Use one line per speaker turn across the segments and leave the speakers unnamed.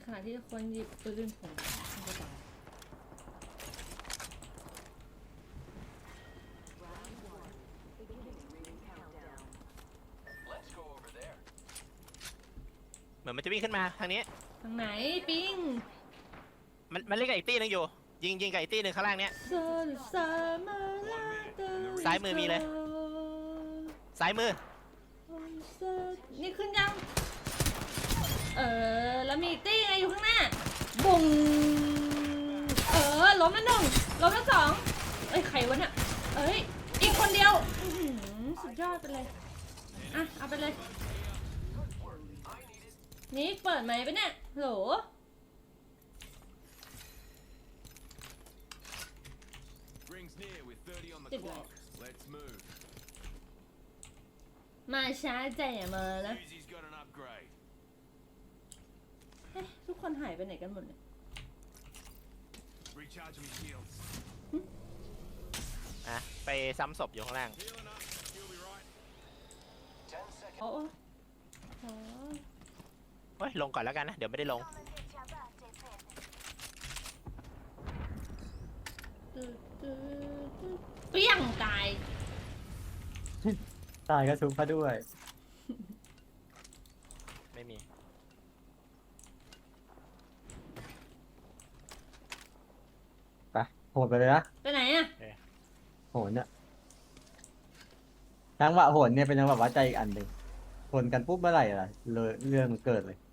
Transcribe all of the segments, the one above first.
ขณะที่คนหยิบปืนผมกระเป๋า
เหมือนมันจะวิ่งขึ้นมาทางนี้
ทางไหนปิง
มันเล่นกับอีกตี้นึงอยู่ยิงกับอีกตี้นึงข้างล่างเนี้ยซ้ายมือมีเลยซ้ายมือ
นี่ขึ้นยังแล้วมีตี้ไงอยู่ข้างหน้าบุ้งล้มแล้วหนึ่งล้มแล้วสองเอ้ยใครวะเนี่ยเอ้ยอีกคนเดียวสุดยอดไปเลยอ่ะเอาไปเลยนี่เปิดไหมปะเนี่ยโหลติดเลยมาช้าใจอย่ามานะเฮ้ยทุกคนหายไปไหนกันหมดเนี่ย
อ่ะไปซ้ำศพอยู่ข้างล่าง
โอ้โห
เฮ้ยลงก่อนแล้วกันนะเดี๋ยวไม่ได้ลง
เปรี้ยงตาย
ก็ชุบเขาด้วย
ไม่มี
ไปโหดไปเลยนะ
ไปไหนอ่ะ
โหดเนี่ยจังหวะโหดเนี่ยเป็นจังหวะวัดใจอีกอันหนึ่งโหดกันปุ๊บเมื่อไหร่ล่ะเลยเรื่องมันเกิดเลย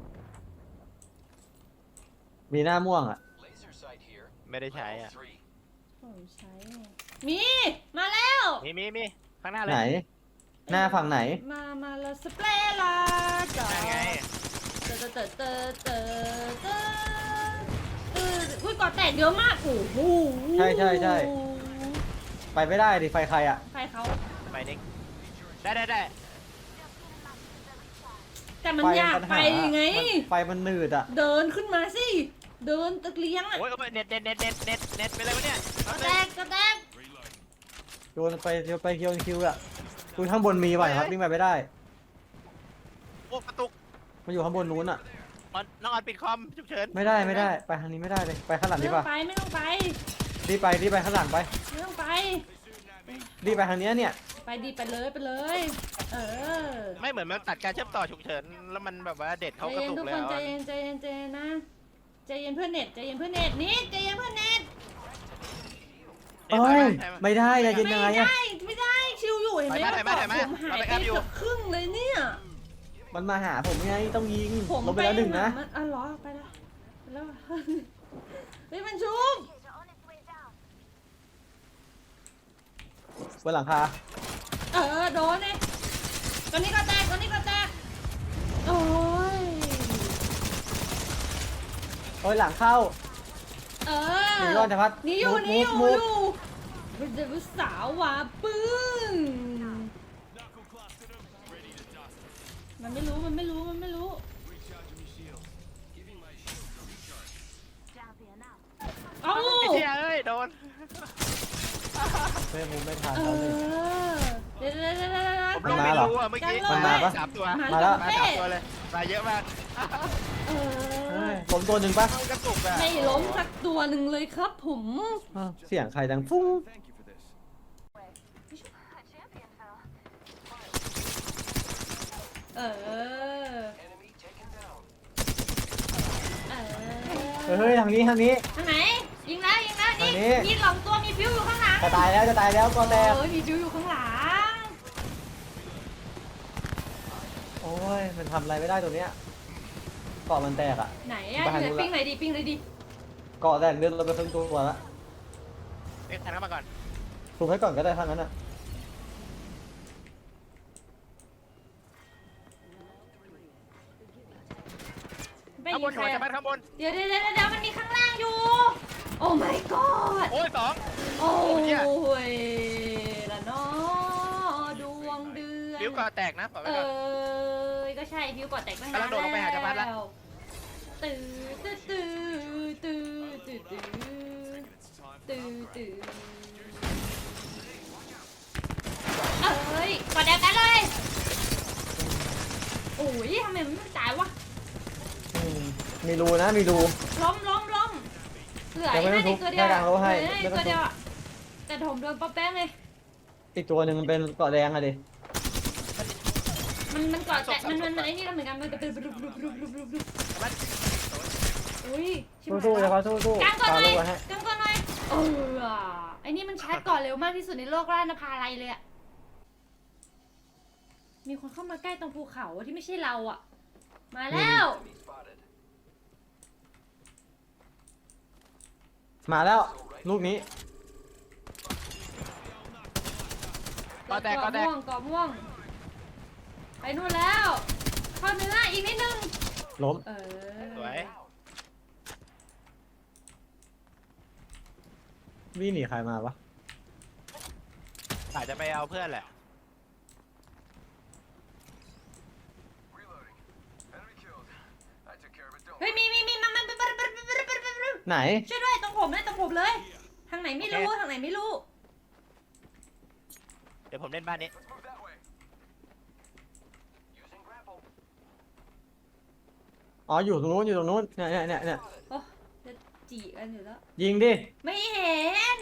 มีหน้าม่วงอ่ะ
ไม่ได้ใช้อ่ะ
ผมใช้มีมาแล้ว
มีข้างหน้าเลย
ไหนหน้าฝั่งไหน
มาแล้วสเปรย์ละจ้า
ไง
อุ้ยก่อแตกเยอะมากโอ้โห
ใช่ไปไม่ได้ดิไฟใครอ่ะ
ไฟเขา
ไปเด็กได้
แต่มันยากไปไง
ไฟมันหนืดอ่ะ
เดินขึ้นมาสิเดินตะเลียงอ่ะ
โอ้ยเน็ตไปเลยวะเนี่ย
ก็แตก
โยนไปคิวอ่ะคุณข้างบนมีไหวครับวิ่งไปไม่ได้
โอ้กระตุก
มันอยู่ข้างบนนู้นอ่ะ
น้องอัดปิดคอมฉุกเฉิน
ไม่ได้ไปทางนี้ไม่ได้เลยไปข้างหลังดีป่ะ
ไม่ต้องไป
รีบไปข้างหลังไป
ไม่ต้องไป
รีบไปทางนี้เนี่ย
ไปเลย
ไม่เหมือนมันตัดการเชื่อมต่อฉุกเฉินแล้วมันแบบว่าเด็ดเขากระตุกเลย
ใจเย็นนะใจเย็นเพื่อนเน็ตนี่ใจเย็นเพื่อนเน็ต
ไม่ได้จะยินยังไงอะ
ไม่ได้ชิวอยู่เห็นไหมผมหายไปเกือบครึ่งเลยเนี่ย
มันมาหาผมไงต้องยิงลงไปแล้วหนึ่งนะ
เหรอไปแล้วเฮ้ยมันชุบ
บนหลังคา
โดนเนี่ยตอนนี้ก็แตกโอ้
ยหลังเข้าหนีรอดจะพัด
นี่อยู่เป็นเด็กสาวว่ะปึ้งมันไม่รู้เอ้า
เชี่ยเอ้ยโดน
ไม่ทันแล้วเลย
ผมลงไม่รู้อ่ะเมื่อกี้
มันมาปะ
3 ตัว
มาแล้ว
3 ตัวเลยมาเยอะมาก
ล้มตัวหนึ่งปะ
ไม่ล้มสักตัวหนึ่งเลยครับผม
เสียงใครดังฟุ้งเฮ้ยทางนี้
ทางไหนยิงแล้วนี่มี2 ตัวมีฟิวอยู่ข้างหลัง
จะตายแล้วก็แตก
มีฟิวอยู่ข้างหลัง
โอ้ยมันทำอะไรไม่ได้ตัวเนี้ยเกาะมันแตกอ่ะ
ไหนอ่ะปิ้งไหนดิ
เกาะแตกเลือดเราไปครึ่งตัวละ
ทันเข้ามาก่อน
ถูกให้ก่อนก็ได้ทางนั้นอ่ะ
ข้างบนหัวจะพัดข้างบน
เดี๋ยวมันมีข้างล่างอยู่โอ้ my god
โอ้ย2
โอ้ยละน้อดวงเดือน
ฟิวก่อแตกนะบอกไว้ก่อน
ก็ใช่ฟิวก่อแตกตั้งนาน
แล้วโดดลงไปหาจะพัดแล้ว
ตื้อกดแดกกันเลยโอ้ยทำไมมันไม่ตายวะ
มีรูนะมีรู
ล้มเหลือ
ยังไม่
ไอ้
ต้
นั่
อน งทุบ
อีกตัวเดียว
แค่กลางโลให้
เหลือ
ไม่
อีก
ต้อง
ตัวเดียวอะแต่ผมโดนป๊อปแป้งเลย
อีกตัวหนึ่งมันเป็นเกาะแดงอะดิ
มันก่อแต่มันไอ้นี่แล้วเหมือนกันมันเป็นรุบอุ้ยชิบหาย
สู้ๆ
แล้
นะ
ว
ครับสู้ๆ
กางก่อนหน่อย
ลูกไว้ให้
กางก่อนหน่อยไอ้นี่มันชาร์จก่อนเร็วมากที่สุดในโลกราชนภาลัยเลยอะมีคนเข้ามาใกล้ตรงภูเขาที่ไม่ใช่เราอะมาแล้ว
มาแล้วลูกนี้
ก็แตก
เกาะม่วงไปนู่นแล้วเข้าเนื้ออีกนิดนึง
ล้ม
สวย
วิ่งหนีใครมาวะ
อาจจะไปเอาเพื่อนแหละ
เฮ้ยมีมัน
ไหน
ช่วยด้วยตรงผมเลย ทางไหนไม่รู้
เดี๋ยวผมเล่นบ้านนี้
อ๋ออยู่ตรงนู้นเนี่ย
โอ้จะจีกันอยู่แล้ว
ยิงดิ
ไม่เห็น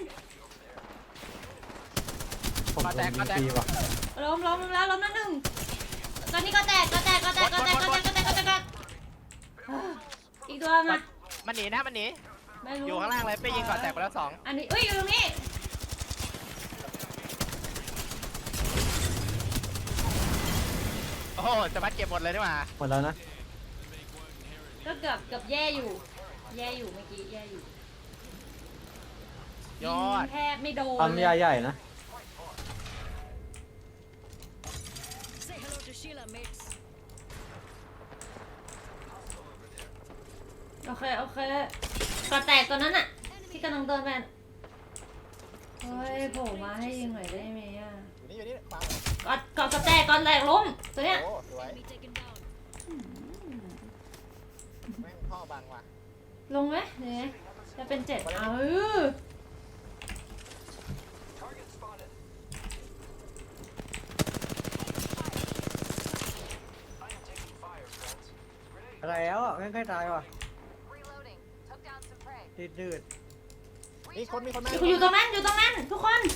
ผมโดนยิงฟรีว่ะ
ล้มแล้วหนึ่งตอนนี้ก็แตกอีกตัวมา
มันหนีนะมันหนี
ไม่รู้
อยู่ข้างล่างเลยไปยิงก่อนแตกไปแล้วสอง
อันนี้อยู่ตรงนี้
โอ้โหจะมัดเก็บหมดเลยนี่หว่า
หมดแล้วนะ
ก็เกือบแย่อยู่เมื่อกี้แย่อยู่
ยอด
แทบไม่โดน
ปั๊มยาใหญ่นะ
Say hello to Sheila, mates.
โอเคก็แตกตัวนั้นอะที่กำลังเดินไปเฮ้ยโผล่มาให้ยิงหน่อยได้ไหมอะ
อยู่นี่ขวา
ก็แตกล้มตัวเนี้ย
โอ้สวย
Enemy taken down.
แม่งพ่อบังว่ะ
ลงไหมเนี่ยจะเป็น7
แล้วอ่ะใกล้ๆตายว่ะ
Reloading. Took down some prey.
ดืด
มีคนมา
อยู่ตรงนั้นทุกคน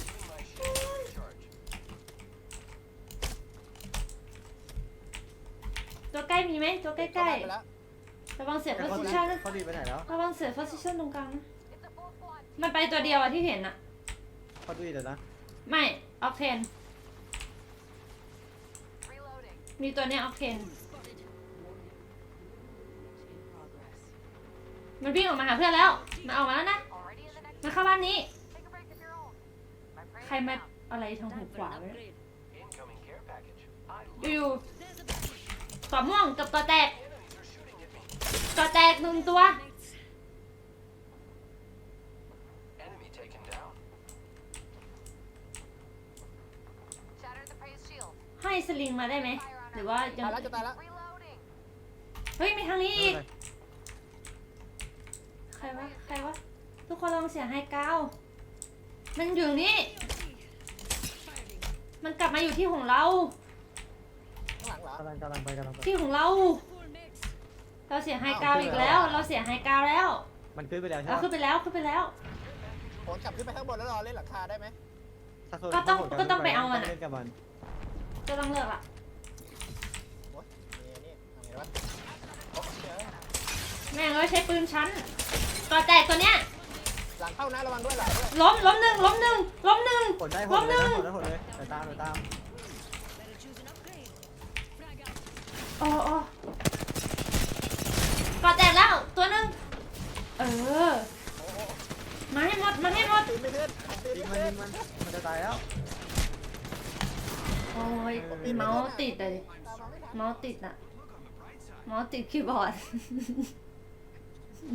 ตัวใกล้มีไหมตัวใกล้ๆระวังเสีย
ๆแต่
โพ
เขา
ซิ
ดี
ชั่นนะ
เขาดีไปไหนแล้ว
ระวังเสียโพซิชั่นตรงกลางนะ
It's a full squad.
มันไปตัวเดียวอะที่เห็นอะ
เขาดีเดี๋ยวนะ
ไม่ออกเทน
Reloading.
มีตัวเนี้ยออกเทน มันวิ่งออกมาหาเพื่อนแล้วมันออกมาแล้วนะ
Already in the next.
มาเข้าบ้านนี้
Take a break of your own. My prey
ใคร
is
มา
down.
อะไรทางหู
Time
ข
for
วา
an
ไว้
upgrade.
อยู่
There's a battery.
ๆก่อม่วงกับก่อแตกก่อแตก1ตัว
Mates.
Shattered the prey's shield.
ให้สลิงมาได้ไหมหรือว่ายัง
ตายแล้วจะตายแล้ว
Reloading.
เฮ้ยมีทางนี้อีกใครวะทุกคนลองเสียงไฮกราวด์มันอยู่นี่
Firing.
มันกลับมาอยู่ที่ของเรา
ข้างหลังเหรอก
ำลังไป
ที่ของเรา
Full mates.
เราเสียงไฮกราวด์อีกแล้ว เราเสียงไฮกราวด์แล้ว
มันขึ้นไปแล้วใช่
เรา
ไหม
ขึ้นไปแล้ว
โหนกลับขึ้นไปข้างบนแล้วรอเล่นหลังคาได้ไหม
ก็ต้องไปเอามันอะ
เล่นกับมัน
ก็ต้องเลือกละ
โอ้ยนี่ทำไงวะโอ้ยเจอ
แม่งเราใช้ปืนชั้นก่อแตกตัวเนี้ย
หลังเข้านะระวังด้วยหลังด้วย
ล้มหนึ่ง
ผลได้ผ
ล้
ล
มห
เลย
นึ่ง
นะผลเลยเดี๋ยวตาม
Better choose an upgrade. Frag out.
โอ้ก่อแตกแล้วตัวหนึ่งมาให้หมด
ตีไม่ขึ้นตี
ยิง
ไม่
มัน
ขึ้น
มันจะตายแล้ว
โอ้ยเมาส์ติดเลยเมาส์ติดอะเมาส์ติดคีย์บอร์ด